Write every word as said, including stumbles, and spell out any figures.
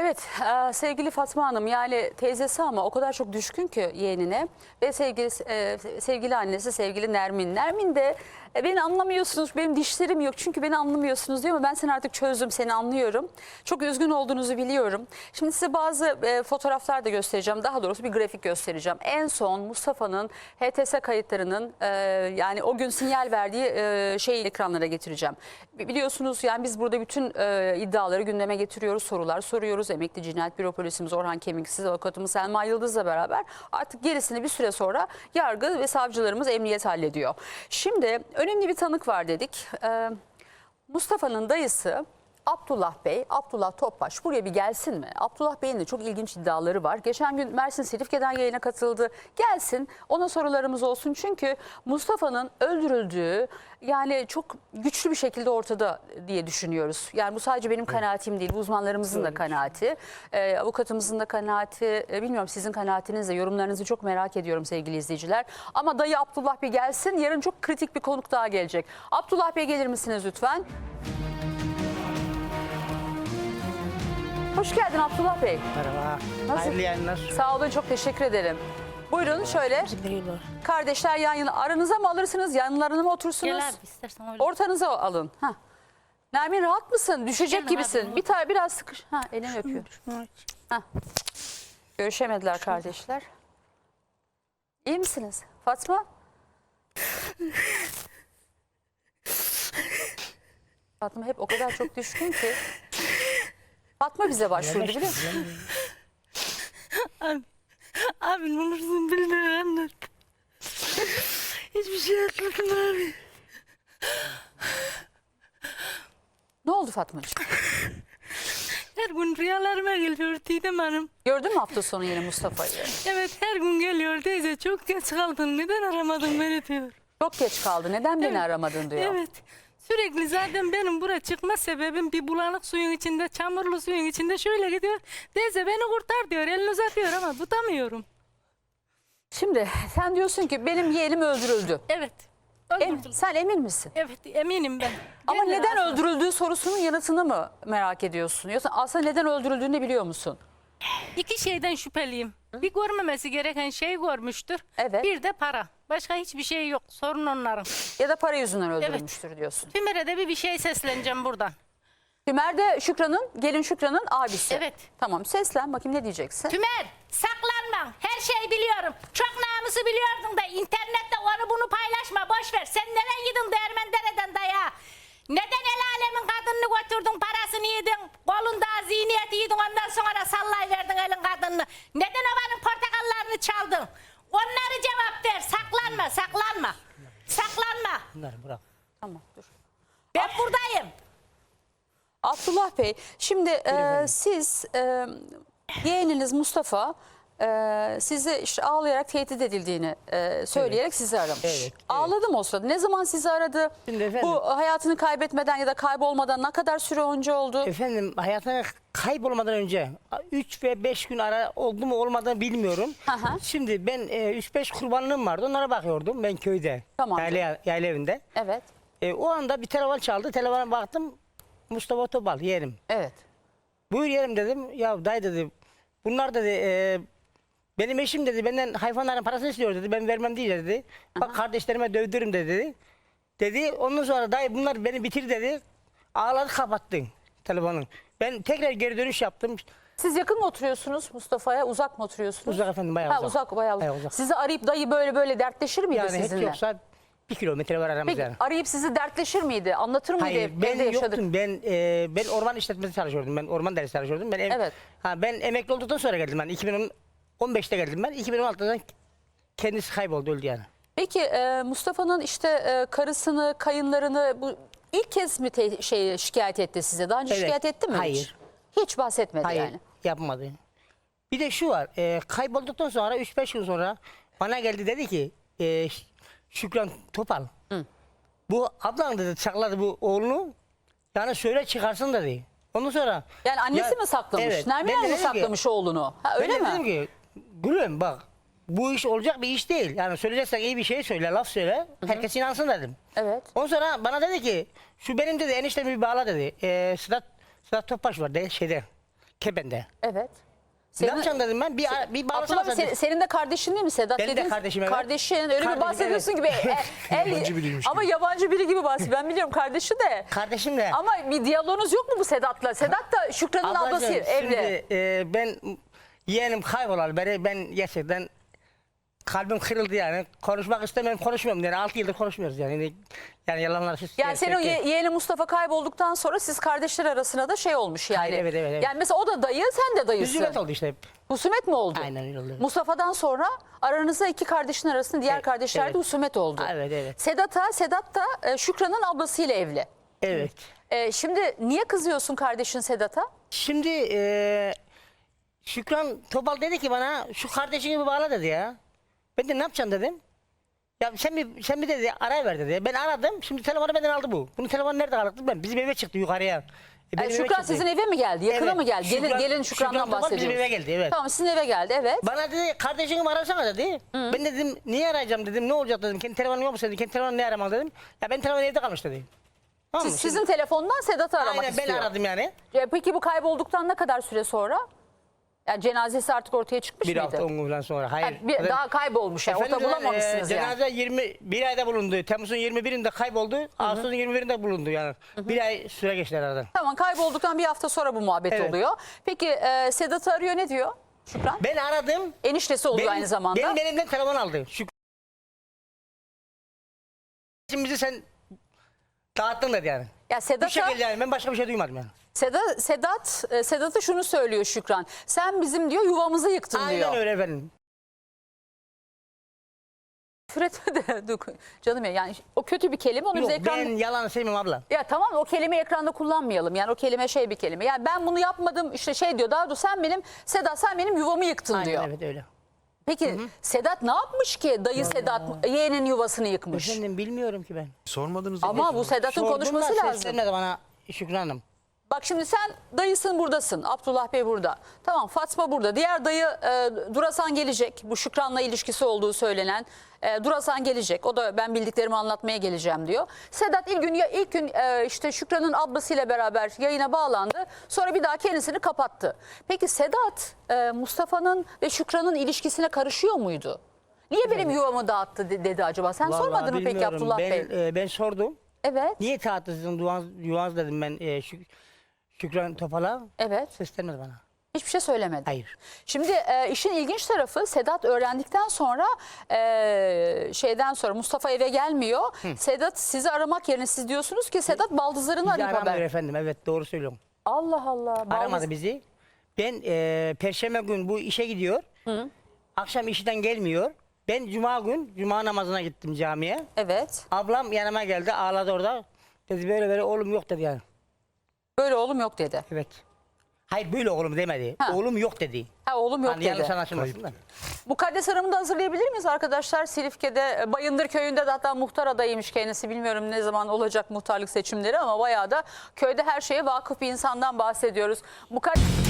Evet, e, sevgili Fatma Hanım, yani teyzesi ama o kadar çok düşkün ki yeğenine ve sevgili e, sevgili annesi sevgili Nermin. Nermin de e, beni anlamıyorsunuz, benim dişlerim yok çünkü beni anlamıyorsunuz diyor ama ben seni artık çözdüm, seni anlıyorum. Çok üzgün olduğunuzu biliyorum. Şimdi size bazı e, fotoğraflar da göstereceğim, daha doğrusu bir grafik göstereceğim. En son Mustafa'nın H T S kayıtlarının e, yani o gün sinyal verdiği e, şeyi ekranlara getireceğim. Biliyorsunuz yani biz burada bütün e, iddiaları gündeme getiriyoruz, sorular soruyoruz. Emekli Cinayet Büro Polisimiz Orhan Kemiksiz, avukatımız Selma Yıldız'la beraber artık gerisini bir süre sonra yargı ve savcılarımız, emniyet hallediyor. Şimdi önemli bir tanık var dedik. Ee, Mustafa'nın dayısı Abdullah Bey, Abdullah Topbaş buraya bir gelsin mi? Abdullah Bey'in de çok ilginç iddiaları var. Geçen gün Mersin Silifke'den yayına katıldı. Gelsin, ona sorularımız olsun. Çünkü Mustafa'nın öldürüldüğü yani çok güçlü bir şekilde ortada diye düşünüyoruz. Yani bu sadece benim kanaatim değil, bu uzmanlarımızın da kanaati. Ee, avukatımızın da kanaati. Ee, bilmiyorum sizin kanaatinizle, yorumlarınızı çok merak ediyorum sevgili izleyiciler. Ama dayı Abdullah Bey gelsin. Yarın çok kritik bir konuk daha gelecek. Abdullah Bey gelir misiniz lütfen? Hoş geldin Abdullah Bey. Merhaba. Nasıl? Hayırlı yayınlar. Sağ olun, çok teşekkür ederim. Buyurun şöyle. Kardeşler yan yana. Aranıza mı alırsınız? Yanlarına mı otursunuz? Gel abi istersen öyle. Ortanıza alın. Heh. Nermin rahat mısın? Düşecek Gel gibisin. abi. Bir tane biraz sıkış. Ha, elini öpüyor. Heh. Görüşemediler kardeşler. İyi misiniz? Fatma? Fatma hep o kadar çok düşkün ki. Fatma bize başvurdu biliyor musun? Abi, abi ne olursun beni anlat. Hiçbir şey atladın abi. Ne oldu Fatmacığım? Her gün rüyalarıma geliyor Didem Hanım. Gördün mü hafta sonu yine Mustafa'yı? Evet her gün geliyor teyze çok geç kaldın neden aramadın beni diyor. Çok geç kaldı. Neden beni Evet. aramadın diyor. Evet. Sürekli zaten benim buraya çıkma sebebim bir bulanık suyun içinde, çamurlu suyun içinde şöyle gidiyor. Teyze beni kurtar diyor, elini uzatıyor ama tutamıyorum. Şimdi sen diyorsun ki benim yeğenim öldürüldü. Evet. Em, Öldürdüm. sen emin misin? Evet eminim ben. Ama Gene neden rahatsız. öldürüldüğü sorusunun yanıtını mı merak ediyorsun? Yoksa aslında neden öldürüldüğünü biliyor musun? İki şeyden şüpheliyim. Bir görmemesi gereken şey görmüştür. Evet. Bir de para. Başka hiçbir şey yok. Sorun onların. Ya da para yüzünden öldürülmüştür diyorsun. Tümer'e de bir, bir şey sesleneceğim buradan. Tümer de Şükran'ın, gelin Şükran'ın abisi. Evet. Tamam, seslen bakayım ne diyeceksin? Tümer saklanma. Her şeyi biliyorum. Çok namusu biliyordun da internette onu bunu paylaşma. Boş ver. Sen nereye gidin Değirmendere'den daya? Neden el alemin kadınını götürdün, parasını yedin, kolunda ziyniyeti yedin, ondan sonra sallayverdin elin kadınını? Neden obanın portakallarını çaldın? Onları cevap ver. Saklanma, saklanma. Saklanma. Bunları bırak. Tamam, dur. Ben buradayım. Abdullah Bey, şimdi e, siz e, yeğeniniz Mustafa e, sizi işte ağlayarak tehdit edildiğini e, söyleyerek Evet. sizi aramış. Evet, evet. Ağladı mı o sırada? Ne zaman sizi aradı? Şimdi efendim- Bu hayatını kaybetmeden ya da kaybolmadan ne kadar süre önce oldu? Efendim hayatına kaybolmadan önce üç ve beş gün ara oldu mu olmadığını bilmiyorum. Aha. Şimdi ben üç beş kurbanlığım vardı. Onlara bakıyordum ben köyde. Tamamdır. Yayla, yayla evinde. Evet, E, o anda bir telefon çaldı. Telefona baktım. Mustafa Topal yeğenim. evet. Buyur yeğenim dedim. Ya dayı dedi. Bunlar dedi e, benim eşim dedi benden hayvanların parasını istiyor dedi. Ben vermem değil dedi. Bak kardeşlerime dövdürürüm dedi. Dedi. Ondan sonra dayı bunlar beni bitir dedi. Ağladı kapattı telefonu. Ben tekrar geri dönüş yaptım. Siz yakın mı oturuyorsunuz Mustafa'ya? Uzak mı oturuyorsunuz? Uzak efendim bayağı Ha, uzak. uzak, bayağı uzak. Bayağı uzak. Sizi arayıp dayı böyle böyle dertleşir miydi Yani hiç sizinle? yoksa bir kilometre var aramızda. Peki yani. arayıp sizi dertleşir miydi? Anlatır mıydı? Hayır Evde ben yaşadık. yoktum. Ben e, ben orman işletmesi çalışıyordum. Ben orman dersi çalışıyordum. Ben em- Evet. Ha, ben emekli olduktan sonra geldim ben. iki bin on beşte geldim ben. iki bin on altıda kendisi kayboldu öldü yani. Peki e, Mustafa'nın işte e, karısını, kayınlarını bu ilk kez mi te- şey şikayet etti size? Daha önce Evet. şikayet etti mi hiç? Hayır. Hiç bahsetmedi Hayır yani. yapmadı. Bir de şu var. E, kaybolduktan sonra üç beş gün sonra bana geldi dedi ki e, Ş- Şükran Topal. Hı. Bu ablan dedi sakladı bu oğlunu. Yani söyle çıkarsın dedi. Ondan sonra Yani annesi Ya- mi saklamış? Evet. Nermin Ben de Hanım mı dedim ki- saklamış oğlunu? Ha, öyle ben de mi? dedim ki gülüm bak bu iş olacak bir iş değil. Yani söyleyeceksen iyi bir şey söyle, laf söyle. Herkes inansın dedim. Evet. Ondan sonra bana dedi ki şu benim dedi eniştemi bir bağla dedi. Ee, Sedat, Sedat Topbaş var de, şeyde Kepende. Evet. Ne yapacaksın dedim ben. Bir, bir bağlasana Abdullah sen. se- senin de kardeşin değil mi Sedat? Benim de Dediniz- kardeşim, evet. Kardeşin öyle bir Kardeşim, bahsediyorsun gibi. E, el- Yabancı biriymiş ama gibi. yabancı biri gibi bahsediyor. Ben biliyorum kardeşi de. Kardeşim de. Ama bir diyaloğunuz yok mu bu Sedat'la? Sedat da Şükran'ın Ablacığım, ablası evli. Şimdi e, ben yeğenim kaybolalı beri ben gerçekten kalbim kırıldı yani. Konuşmak istemiyorum, konuşmuyorum yani. altı yıldır konuşmuyoruz yani. Yani yalanlar siz. Yani senin o ye- yeğeni Mustafa kaybolduktan sonra siz kardeşler arasında da şey olmuş yani. Hayır, evet, evet, evet. Yani mesela o da dayı, sen de dayısın. Üzümet oldu işte. Husumet mi oldu? Aynen öyle oldu. Mustafa'dan sonra aranızda iki kardeşin arasında diğer Evet, kardeşlerde evet. husumet oldu. Evet, evet. Sedat'a, Sedat da e, Şükran'ın ablasıyla evli. Evet. E, şimdi niye kızıyorsun kardeşin Sedat'a? Şimdi e, Şükran Topal dedi ki bana şu kardeşini bir bağla dedi ya. Ben de ne yapacaksın dedim. Ya sen bir, sen bir dedi aray ver dedi. Ben aradım. Şimdi telefonu benden aldı bu. Bunun telefonu nerede kaldı ben? Bizim eve çıktı yukarıya. E, E, benim eve Şükran çıktı. sizin eve mi geldi? Yakına Evet. mı geldi? Gelin, Şükran- gelin Şükran'dan Şükran Topal bahsediyoruz. bizim eve geldi, evet. Tamam sizin eve geldi evet. Bana dedi kardeşini arasana dedi. Ben dedim niye arayacağım dedim. Ne olacak dedim. Kendi telefonun yok mu dedi. Kendi telefonunu ne aramak dedim. Ya benim telefonum evde kalmış dedi. Tamam mı? Siz, sizin telefondan Sedat'ı aramak Aynen ben istiyor. aradım yani. E, peki bu kaybolduktan ne kadar süre sonra? Yani cenazesi artık ortaya çıkmış Bir mıydı? hafta on gün falan sonra. Hayır. Yani bir, Zaten- daha kaybolmuş yani. Orada Efendim, bulamamışsınız e, yani. cenaze yirmi bir ayda bulundu. Temmuz'un yirmi birinde kayboldu. Ağustos'un yirmi birinde bulundu yani. Bir ay süre geçti aradan. Tamam kaybolduktan bir hafta sonra bu muhabbet Evet. oluyor. Peki e, Sedat'ı arıyor ne diyor Şükran? Ben aradım. Eniştesi oluyor Benim, aynı zamanda. benim elimden telefon aldı. Şu Şimdi bizi sen dağıttın dedi yani. Ya Bu Sedat'a şekilde yani ben başka bir şey duymadım yani. Sedat Sedat e, Sedat'a şunu söylüyor Şükran. Sen bizim diyor yuvamızı yıktın diyor. Aynen öyle efendim. Küfür etme de dur, canım ya yani o kötü bir kelime onu Yok biz ekranda... ben yalan sevmem abla. Ya tamam o kelimeyi ekranda kullanmayalım. Yani o kelime şey bir kelime. Yani ben bunu yapmadım işte şey diyor. Daha doğrusu sen benim Sedat sen benim yuvamı yıktın Aynen diyor. evet öyle. Peki Sedat ne yapmış ki dayı Sedat yeğenin yuvasını yıkmış? Efendim bilmiyorum ki ben. Sormadınız Ama bu Sedat'ın Sordum konuşması da lazım. seslenmedi bana Şükran Hanım. Bak şimdi sen dayısın buradasın. Abdullah Bey burada. Tamam Fatma burada. Diğer dayı e, Durasan gelecek. Bu Şükran'la ilişkisi olduğu söylenen e, Durasan gelecek. O da ben bildiklerimi anlatmaya geleceğim diyor. Sedat ilk gün ya ilk gün e, işte Şükran'ın ablasıyla beraber yayına bağlandı. Sonra bir daha kendisini kapattı. Peki Sedat e, Mustafa'nın ve Şükran'ın ilişkisine karışıyor muydu? Niye benim yuvamı dağıttı de- dedi acaba? Sen Vallahi sormadın mı peki bilmiyorum. Abdullah ben, Bey? e, ben sordum. Evet. Niye tahtı sizin yuvanız, yuvanız dedim ben e, Şük- Şükran Topal'a. Evet. Seslenmedi bana. Hiçbir şey söylemedi. Hayır. Şimdi e, işin ilginç tarafı Sedat öğrendikten sonra e, şeyden sonra Mustafa eve gelmiyor. Sedat sizi aramak yerine siz diyorsunuz ki Sedat baldızlarını Bizi arayıp aramıyor haber. efendim. Evet doğru söylüyorum. Allah Allah. baldız- Aramadı bizi. Ben e, Perşembe gün bu işe gidiyor. Akşam işten gelmiyor. Ben Cuma gün Cuma namazına gittim camiye. Evet. Ablam yanıma geldi ağladı orada. Dedi böyle böyle oğlum yok dedi yani. Böyle oğlum yok dedi. Evet. Hayır böyle oğlum demedi. Ha. Oğlum yok dedi. Ha oğlum yok Hani yanlış dedi. anlaşılmasın da. Mukaddes Hanım'ı da hazırlayabilir miyiz arkadaşlar? Silifke'de e, Bayındır Köyü'nde de hatta muhtar adayıymış kendisi. Bilmiyorum ne zaman olacak muhtarlık seçimleri ama bayağı da köyde her şeye vakıf bir insandan bahsediyoruz. Mukaddes...